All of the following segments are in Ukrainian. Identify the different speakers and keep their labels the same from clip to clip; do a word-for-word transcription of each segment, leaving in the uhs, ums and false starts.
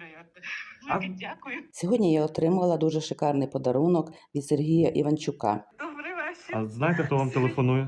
Speaker 1: невероятно.
Speaker 2: А-
Speaker 1: Велике дякую.
Speaker 3: Сьогодні я отримала дуже шикарний подарунок від Сергія Іванчука.
Speaker 1: Добрий вечір.
Speaker 2: А знаєте, хто вам телефонує?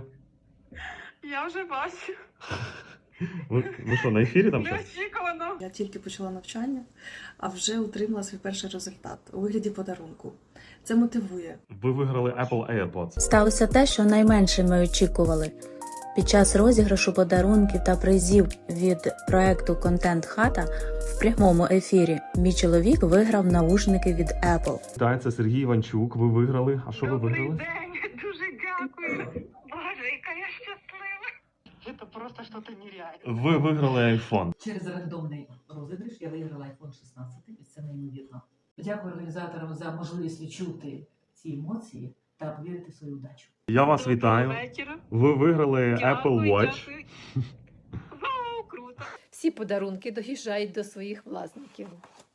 Speaker 1: Я вже бачу.
Speaker 2: Ви, ви що, на ефірі там щось?
Speaker 1: Неочікувано.
Speaker 4: Я тільки почала навчання, а вже отримала свій перший результат у вигляді подарунку. Це мотивує.
Speaker 2: Ви виграли Apple AirPods.
Speaker 5: Сталося те, що найменше ми очікували. Під час розіграшу подарунків та призів від проекту «Контент Хата» в прямому ефірі мій чоловік виграв навушники від Apple.
Speaker 2: Так, це Сергій Іванчук. Ви виграли. А що ви
Speaker 1: Добрий
Speaker 2: виграли?
Speaker 1: день. Дуже дякую. Боже, яка я щаслива. Це просто щось нереальне.
Speaker 2: Ви виграли iPhone.
Speaker 6: Через рандомний розіграш я виграла айфон шістнадцять, і це неймовірно. Дякую організаторам за можливість відчути ці емоції та повірити в свою удачу.
Speaker 2: Я вас
Speaker 1: Доброго
Speaker 2: вітаю.
Speaker 1: вечора.
Speaker 2: Ви виграли
Speaker 1: Дякую,
Speaker 2: Apple Watch.
Speaker 1: дякую. Вау, круто.
Speaker 7: Всі подарунки доїжджають до своїх власників.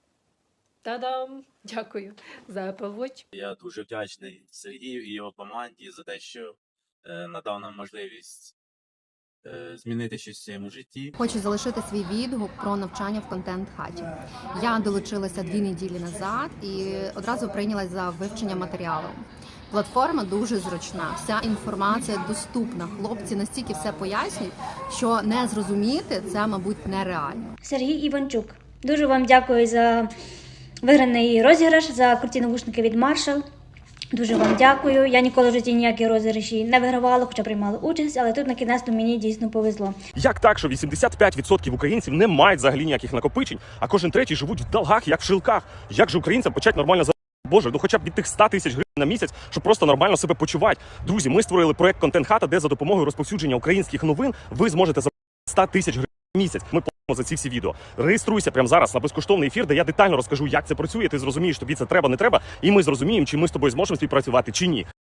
Speaker 7: Та-дам! Дякую за Apple Watch.
Speaker 8: Я дуже вдячний Сергію і його команді за те, що е, надав нам можливість е, змінити щось в своєму житті.
Speaker 9: Хочу залишити свій відгук про навчання в контент-хаті. Я долучилася дві неділі назад і одразу прийнялась за вивчення матеріалу. Платформа дуже зручна, вся інформація доступна. Хлопці настільки все пояснюють, що не зрозуміти це, мабуть, нереально.
Speaker 10: Сергій Іванчук. Дуже вам дякую за виграний розіграш, за круті навушники від Marshall. Дуже вам дякую. Я ніколи в житті ніякі розіграші не вигравала, хоча приймала участь, але тут на кінець мені дійсно повезло.
Speaker 11: Як так, що вісімдесят п'ять відсотків українців не мають взагалі ніяких накопичень, а кожен третій живуть в долгах, як в шилках? Як же українцям почати нормально за... Боже, ну хоча б від тих ста тисяч гривень на місяць, щоб просто нормально себе почувати. Друзі, ми створили проект «Контент Хата», де за допомогою розповсюдження українських новин ви зможете за сто тисяч гривень на місяць. Ми платимо за ці всі відео. Реєструйся прямо зараз на безкоштовний ефір, де я детально розкажу, як це працює, ти зрозумієш, тобі це треба, не треба, і ми зрозуміємо, чи ми з тобою зможемо співпрацювати, чи ні.